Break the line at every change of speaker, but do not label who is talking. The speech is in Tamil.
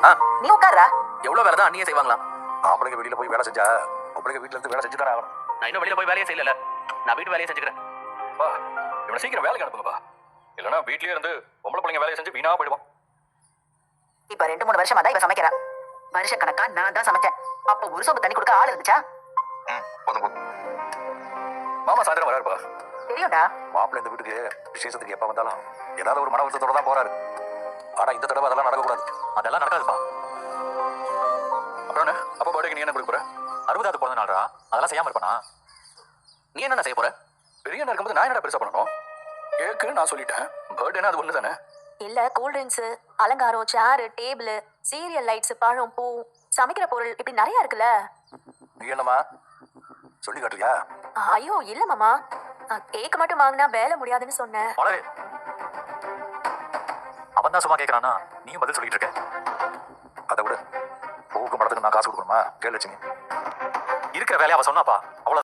நீ உட்கார்றா.
எவ்வளவு வேலை தான் அண்ணியே செய்வாங்களாம்.
ஆம்பளைங்க வெளியில போய் வேலை செஞ்சா பொம்பளைங்க வீட்டுல இருந்து வேலை செஞ்சு தானே ஆகணும்.
நான் இன்னும் வெளியில போய் வேலையே செய்யல. நான் வீட்டு வேலையை செஞ்சுக்கிறேன்.
பா இவனை சீக்கிரம் வேலைக்கு அனுப்புங்கப்பா. இல்லைன்னா வீட்லயே இருந்து பொம்பளை பிள்ளைங்க வேலையை செஞ்சு வீணா போயிடுவான்.
இப்ப 2-3 வருஷமா தான் இவ சமைக்கிறா. வருஷ கணக்கா நான் தான் சமைச்சேன். அப்ப ஒரு சொம்பு தண்ணி கொடுக்க ஆள் இருந்துச்சா?
போதும் போதும்.
மாமா சாயந்தரம் வராருப்பா.
தெரியும்டா.
மாப்பிள்ளை இந்த வீட்டுக்கு விசேஷத்துக்கு எப்ப வந்தாலும் ஏதாவது ஒரு மன வருத்தத்தோட தான் போறாரு. ஆனா இந்த தடவை அதெல்லாம் நடக்கக்கூடாது.
அதெல்லாம் நடக்காதுப்பா.
அப்புறம் என்ன அப்பா பர்த்டேக்கு நீ என்ன கொடுக்க போற?
60வது பிறந்த நாள்ரா. அதெல்லாம் செய்யாம இருப்பானா? நீ என்ன செய்ய போற?
பெரிய அண்ணா இருக்கும்போது நான் என்னடா பெருசா பண்ணணும்? கேக்கு நான் சொல்லிட்டேன். பர்த்டேனா அது ஒண்ணு தானே.
இல்ல கூல் ட்ரிங்க்ஸ், அலங்காரம், சேர், டேபிள், சீரியல் லைட்ஸ், பழம், பூ, சமைக்கிற பொருள் இப்படி நிறைய இருக்குல்ல.
நீ என்னமா சொல்லி காட்டுறியா?
ஐயோ இல்ல மாமா, கேக் மட்டும் வாங்கினா வேலை முடியாதுன்னு சொன்னேன்.
மலரே, அவன் தான் சும்மா கேட்கறானா? நீயும் பதில் சொல்லிட்டு இருக்க.
அதை விட பூக்கு படத்துக்கு நான் காசு கொடுக்கணுமா? கேளு லட்சுமி.
இருக்கிற வேலையை அவ சொன்னாப்பா. அவ்வளவு